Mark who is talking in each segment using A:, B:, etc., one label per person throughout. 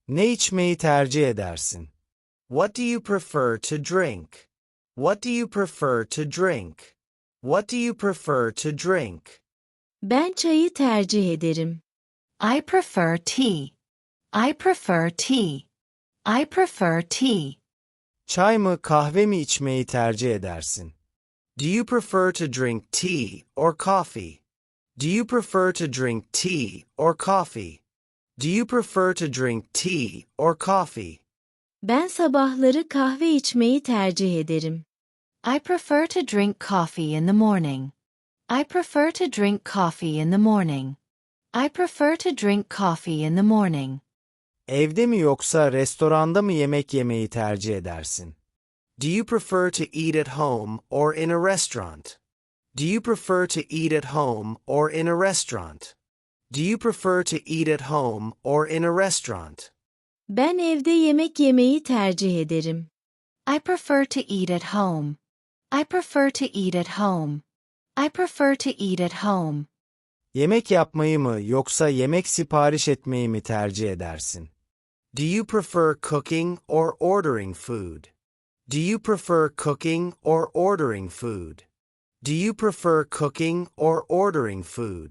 A: Ne içmeyi tercih edersin?
B: What do you prefer to drink? What do you prefer to drink? What do you prefer to drink?
C: Ben çayı tercih ederim.
D: I prefer tea. I prefer tea. I prefer tea.
A: Çay mı kahve mi içmeyi tercih edersin?
B: Do you prefer to drink tea or coffee? Do you prefer to drink tea or coffee? Do you prefer to drink tea or coffee?
C: Ben sabahları kahve içmeyi tercih ederim.
D: I prefer to drink coffee in the morning. I prefer to drink coffee in the morning. I prefer to drink coffee in the morning.
A: Evde mi yoksa restoranda mı yemek yemeyi tercih edersin?
B: Do you prefer to eat at home or in a restaurant? Do you prefer to eat at home or in a restaurant? Do you prefer to eat at home or in a restaurant?
C: Ben evde yemek yemeyi tercih ederim.
D: I prefer to eat at home. I prefer to eat at home. I prefer to eat at home.
A: Yemek yapmayı mı yoksa yemek sipariş etmeyi mi tercih edersin?
B: Do you prefer cooking or ordering food? Do you prefer cooking or ordering food? Do you prefer cooking or ordering food?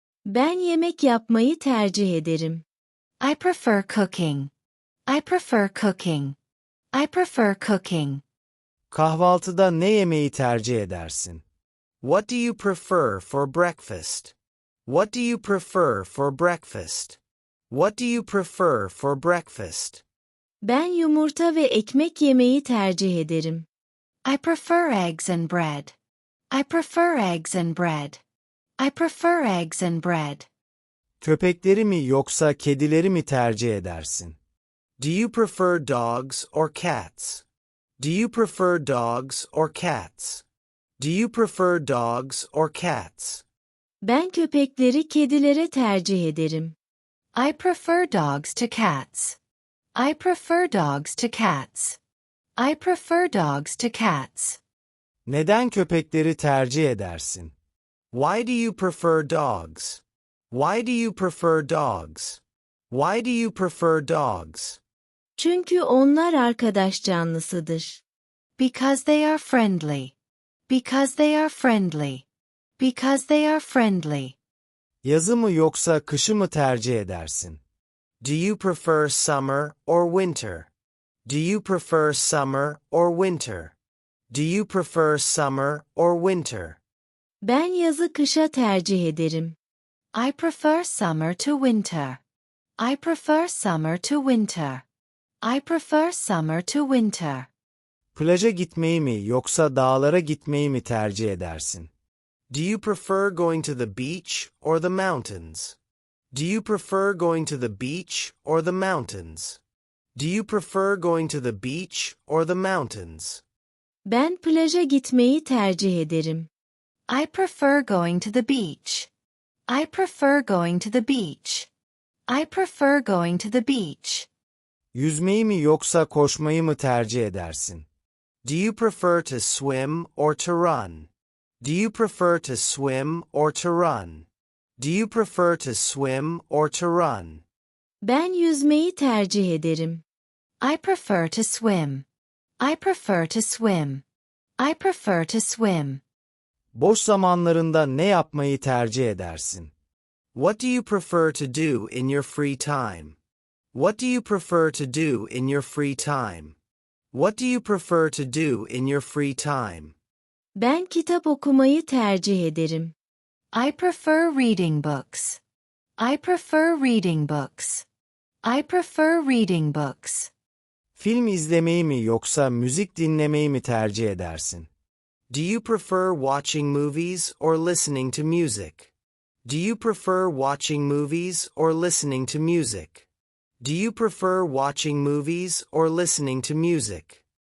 C: Ben yemek yapmayı tercih ederim.
D: I prefer cooking. I prefer cooking. I prefer cooking.
A: Kahvaltıda ne yemeyi tercih edersin?
B: What do you prefer for breakfast? What do you prefer for breakfast? What do you prefer for breakfast?
C: Ben yumurta ve ekmek yemeyi tercih ederim.
D: I prefer eggs and bread. I prefer eggs and bread. I prefer eggs and bread.
A: Köpekleri mi yoksa kedileri mi tercih edersin?
B: Do you prefer dogs or cats? Do you prefer dogs or cats? Do you prefer dogs or cats?
C: Ben köpekleri kedilere tercih ederim.
D: I prefer dogs to cats. I prefer dogs to cats. I prefer dogs to cats.
A: Neden köpekleri tercih edersin?
B: Why do you prefer dogs? Why do you prefer dogs? Why do you prefer dogs?
C: Çünkü onlar arkadaş canlısıdır.
D: Because they are friendly. Because they are friendly. Because they are friendly.
A: Yazı mı yoksa kışı mı tercih edersin?
B: Do you prefer summer or winter? Do you prefer summer or winter? Do you prefer summer or winter?
C: Ben yazı kışa tercih ederim.
D: I prefer summer to winter. I prefer summer to winter. I prefer summer to winter.
A: Plaja gitmeyi mi yoksa dağlara gitmeyi mi tercih edersin?
B: Do you prefer going to the beach or the mountains? Do you prefer going to the beach or the mountains? Do you prefer going to the beach or the mountains?
C: Ben plaja gitmeyi tercih ederim.
D: I prefer going to the beach. I prefer going to the beach. I prefer going to the beach.
A: Yüzmeyi mi yoksa koşmayı mı tercih edersin?
B: Do you prefer to swim or to run? Do you prefer to swim or to run? Do you prefer to swim or to run?
C: Ben yüzmeyi tercih ederim.
D: I prefer to swim. I prefer to swim. I prefer to swim.
A: Boş zamanlarında ne yapmayı tercih edersin?
B: What do you prefer to do in your free time? What do you prefer to do in your free time? What do you prefer to do in your free time?
C: Ben kitap okumayı tercih ederim.
D: I prefer reading books. I prefer reading books. I prefer reading books.
A: Film izlemeyi mi yoksa müzik dinlemeyi mi tercih edersin?
B: Do you prefer watching movies or listening to music? Do you prefer watching movies or listening to music? Do you prefer watching movies or listening to music?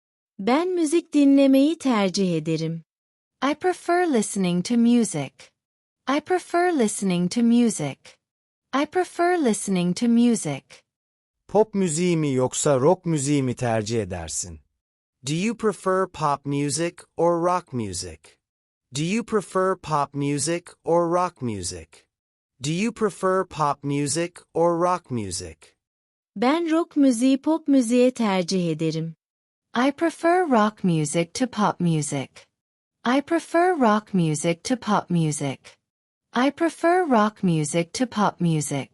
C: Ben müzik dinlemeyi tercih ederim.
D: I prefer listening to music. I prefer listening to music. I prefer listening to music.
A: Pop müziği mi yoksa rock müziği mi tercih edersin?
B: Do you prefer pop music or rock music? Do you prefer pop music or rock music? Do you prefer pop music or rock music?
C: Ben rock müziği pop müziğe tercih ederim.
D: I prefer rock music to pop music. I prefer rock music to pop music. I prefer rock music to pop music.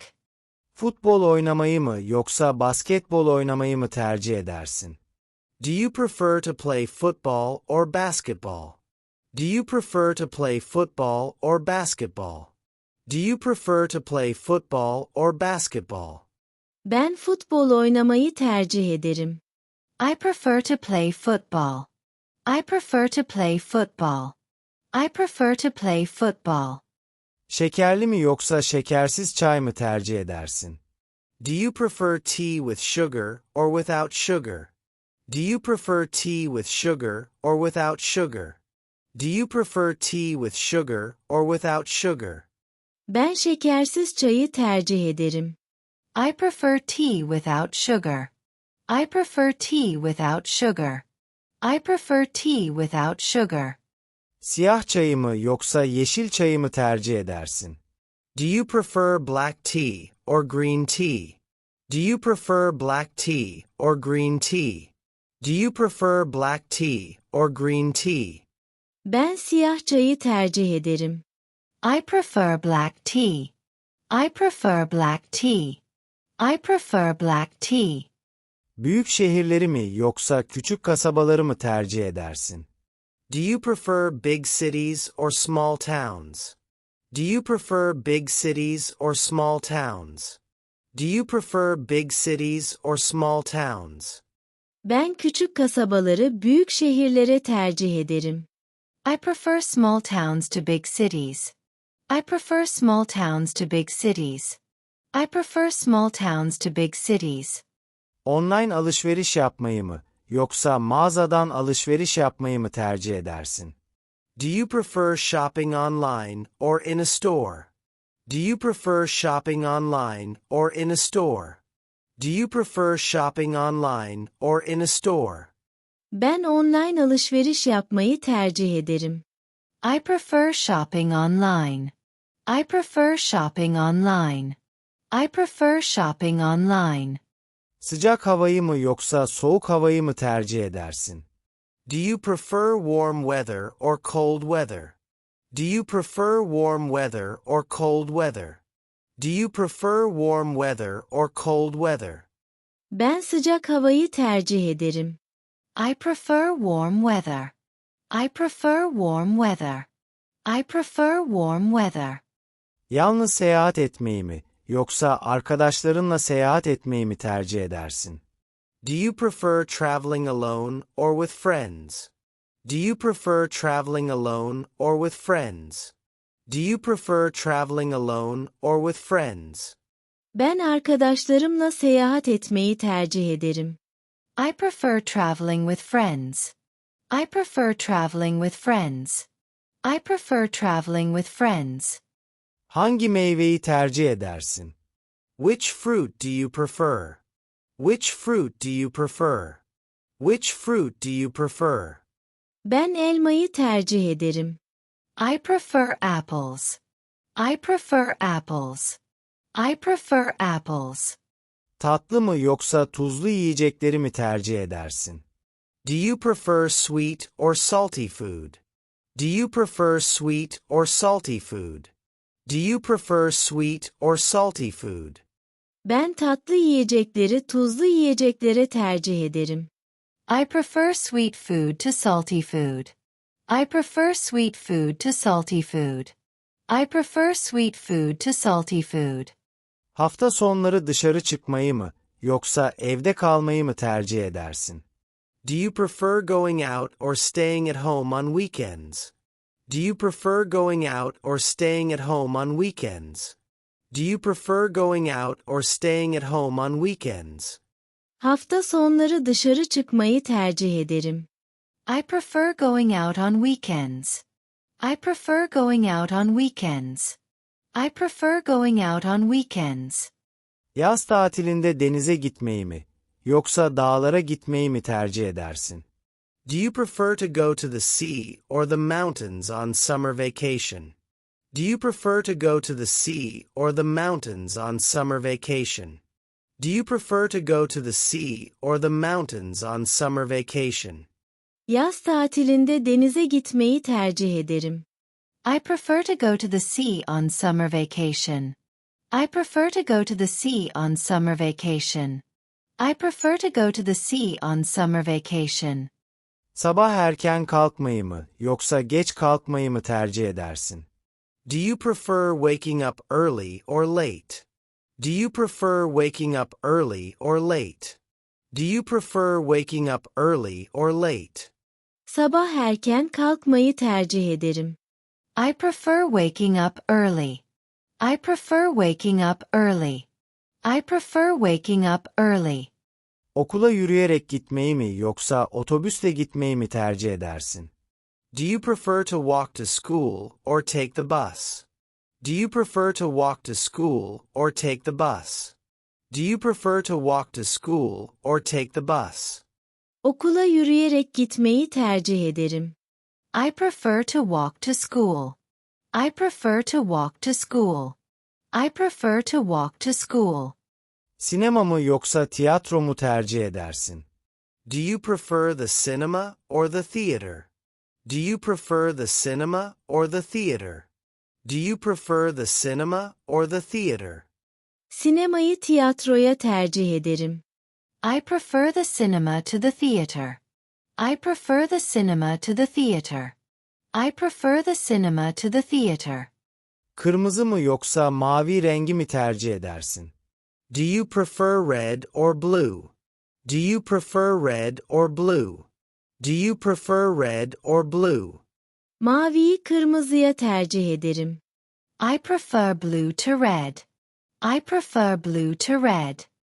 A: Futbol oynamayı mı yoksa basketbol oynamayı mı tercih edersin?
B: Do you prefer to play football or basketball? Do you prefer to play football or basketball? Do you prefer to play football or basketball?
C: Ben futbol oynamayı tercih ederim.
D: I prefer to play football. I prefer to play football. I prefer to play football.
A: Şekerli mi yoksa şekersiz çay mı tercih edersin?
B: Do you prefer tea with sugar or without sugar? Do you prefer tea with sugar or without sugar? Do you prefer tea with sugar or without sugar?
C: Ben şekersiz çayı tercih ederim.
D: I prefer tea without sugar. I prefer tea without sugar. I prefer tea without sugar.
A: Siyah çayı mı yoksa yeşil çayı mı tercih edersin?
B: Do you prefer black tea or green tea? Do you prefer black tea or green tea? Do you prefer black tea or green tea?
C: Ben siyah çayı tercih ederim.
D: I prefer black tea. I prefer black tea. I prefer black tea.
A: Büyük şehirleri mi yoksa küçük kasabaları mı tercih edersin?
B: Do you prefer big cities or small towns? Do you prefer big cities or small towns? Do you prefer big cities or small towns?
C: Ben küçük kasabaları büyük şehirlere tercih ederim.
D: I prefer small towns to big cities. I prefer small towns to big cities. I prefer small towns to big cities.
A: Online alışveriş yapmayı mı yoksa mağazadan alışveriş yapmayı mı tercih edersin?
B: Do you prefer shopping online or in a store? Do you prefer shopping online or in a store? Do you prefer shopping online or in a store?
C: Ben online alışveriş yapmayı tercih ederim.
D: I prefer shopping online. I prefer shopping online. I prefer shopping online.
A: Sıcak havayı mı yoksa soğuk havayı mı tercih edersin?
B: Do you prefer warm weather or cold weather? Do you prefer warm weather or cold weather? Do you prefer warm weather or cold weather?
C: Ben sıcak havayı tercih ederim.
D: I prefer warm weather. I prefer warm weather. I prefer warm weather.
A: Yalnız seyahat etmeyi mi yoksa arkadaşlarınla seyahat etmeyi mi tercih edersin?
B: Do you prefer traveling alone or with friends? Do you prefer traveling alone or with friends? Do you prefer traveling alone or with friends?
C: Ben arkadaşlarımla seyahat etmeyi tercih ederim.
D: I prefer traveling with friends. I prefer traveling with friends. I prefer traveling with friends.
A: Hangi meyveyi tercih edersin?
B: Which fruit do you prefer? Which fruit do you prefer? Which fruit do you prefer?
C: Ben elmayı tercih ederim.
D: I prefer apples. I prefer apples. I prefer apples.
A: Tatlı mı yoksa tuzlu yiyecekleri mi tercih edersin?
B: Do you prefer sweet or salty food? Do you prefer sweet or salty food? Do you prefer sweet or salty food?
C: Ben tatlı yiyecekleri tuzlu yiyeceklere tercih ederim.
D: I prefer sweet food to salty food. I prefer sweet food to salty food. I prefer sweet food to salty food.
A: Hafta sonları dışarı çıkmayı mı yoksa evde kalmayı mı tercih edersin?
B: Do you prefer going out or staying at home on weekends? Do you prefer going out or staying at home on weekends? Do you prefer going out or staying at home on weekends?
C: Hafta sonları dışarı çıkmayı tercih ederim.
D: I prefer going out on weekends. I prefer going out on weekends. I prefer going out on weekends.
A: Yaz tatilinde denize gitmeyi mi yoksa dağlara gitmeyi mi tercih edersin?
B: Do you prefer to go to the sea or the mountains on summer vacation? Do you prefer to go to the sea or the mountains on summer vacation? Do you prefer to go to the sea or the mountains on summer vacation?
C: Yaz tatilinde denize gitmeyi tercih ederim.
D: I prefer to go to the sea on summer vacation. I prefer to go to the sea on summer vacation. I prefer to go to the sea on summer vacation.
A: Sabah erken kalkmayı mı yoksa geç kalkmayı mı tercih edersin?
B: Do you prefer waking up early or late? Do you prefer waking up early or late? Do you prefer waking up early or late?
C: Sabah erken kalkmayı tercih ederim.
D: I prefer waking up early. I prefer waking up early. I prefer waking up early.
A: Okula yürüyerek gitmeyi mi yoksa otobüsle gitmeyi mi tercih edersin?
B: Do you prefer to walk to school or take the bus? Do you prefer to walk to school or take the bus? Do you prefer to walk to school or take the bus?
C: Okula yürüyerek gitmeyi tercih ederim.
D: I prefer to walk to school. I prefer to walk to school. I prefer to walk to school.
A: Sinema mı yoksa tiyatro mu tercih edersin?
B: Do you prefer the cinema or the theater? Do you prefer the cinema or the theater? Do you prefer the cinema or the theater?
C: Sinemayı tiyatroya tercih ederim.
D: I prefer the cinema to the theater. I prefer the cinema to the theater. I prefer the cinema to the theater.
A: Kırmızı mı yoksa mavi rengi mi tercih edersin?
B: Do you prefer red or blue? Do you prefer red or blue? Do you prefer red or blue?
C: Maviyi kırmızıya tercih ederim.
D: I prefer blue to red. I prefer blue to red.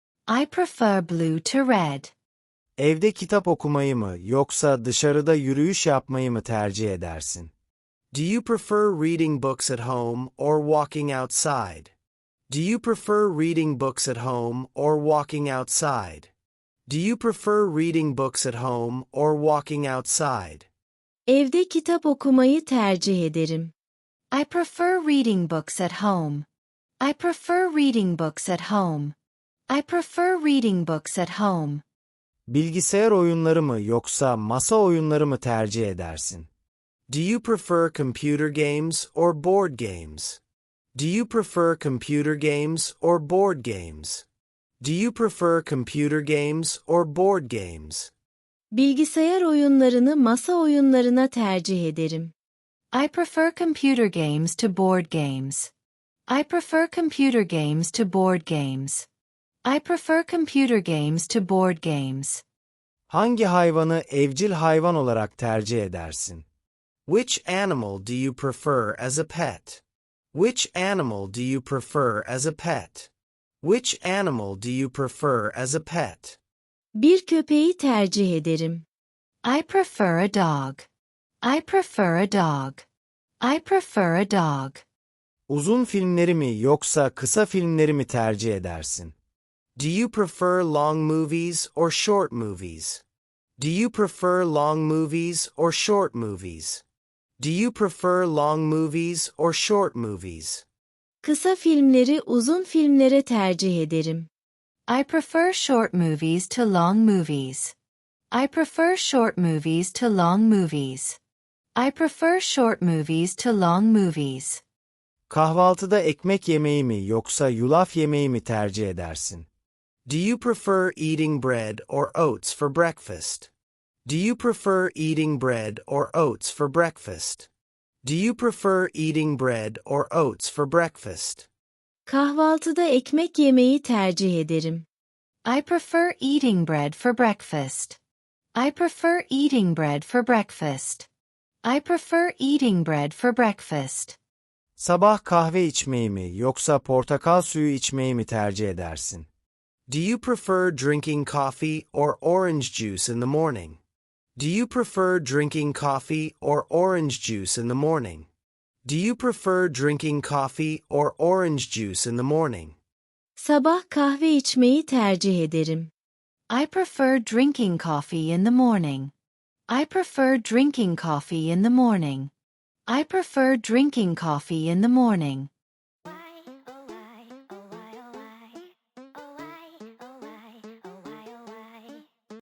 D: I prefer blue to red.
A: Evde kitap okumayı mı yoksa dışarıda yürüyüş yapmayı mı tercih edersin?
B: Do you prefer reading books at home or walking outside? Do you prefer reading books at home or walking outside? Do you prefer reading books at home or walking outside?
C: Evde kitap okumayı tercih ederim.
D: I prefer reading books at home. I prefer reading books at home. I prefer reading books at home.
A: Bilgisayar oyunları mı yoksa masa oyunları mı tercih edersin?
B: Do you prefer computer games or board games? Do you prefer computer games or board games? Do you prefer computer games or board games?
C: Bilgisayar oyunlarını masa oyunlarına tercih ederim.
D: I prefer computer games to board games. I prefer computer games to board games. I prefer computer games to board games.
A: Hangi hayvanı evcil hayvan olarak tercih edersin?
B: Which animal do you prefer as a pet? Which animal do you prefer as a pet? Which animal do you prefer as a pet?
C: Bir köpeği tercih ederim.
D: I prefer a dog. I prefer a dog. I prefer a dog.
A: Uzun filmleri mi yoksa kısa filmleri mi tercih edersin?
B: Do you prefer long movies or short movies? Do you prefer long movies or short movies? Do you prefer long movies or short movies?
C: Kısa filmleri uzun filmlere tercih ederim.
D: I prefer short movies to long movies. I prefer short movies to long movies. I prefer short movies to long movies.
A: Kahvaltıda ekmek yemeği mi yoksa yulaf yemeği mi tercih edersin?
B: Do you prefer eating bread or oats for breakfast? Do you prefer eating bread or oats for breakfast? Do you prefer eating bread or oats for breakfast?
C: Kahvaltıda ekmek yemeyi tercih ederim.
D: I prefer eating bread for breakfast. I prefer eating bread for breakfast. I prefer eating bread for breakfast.
A: Sabah kahve içmeyi mi yoksa portakal suyu içmeyi mi tercih edersin?
B: Do you prefer drinking coffee or orange juice in the morning? Do you prefer drinking coffee or orange juice in the morning? Do you prefer drinking coffee or orange juice in the morning?
C: Sabah kahve içmeyi tercih ederim.
D: I prefer drinking coffee in the morning. I prefer drinking coffee in the morning. I prefer drinking coffee in the morning.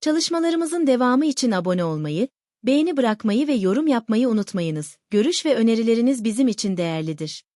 C: Çalışmalarımızın devamı için abone olmayı, beğeni bırakmayı ve yorum yapmayı unutmayınız. Görüş ve önerileriniz bizim için değerlidir.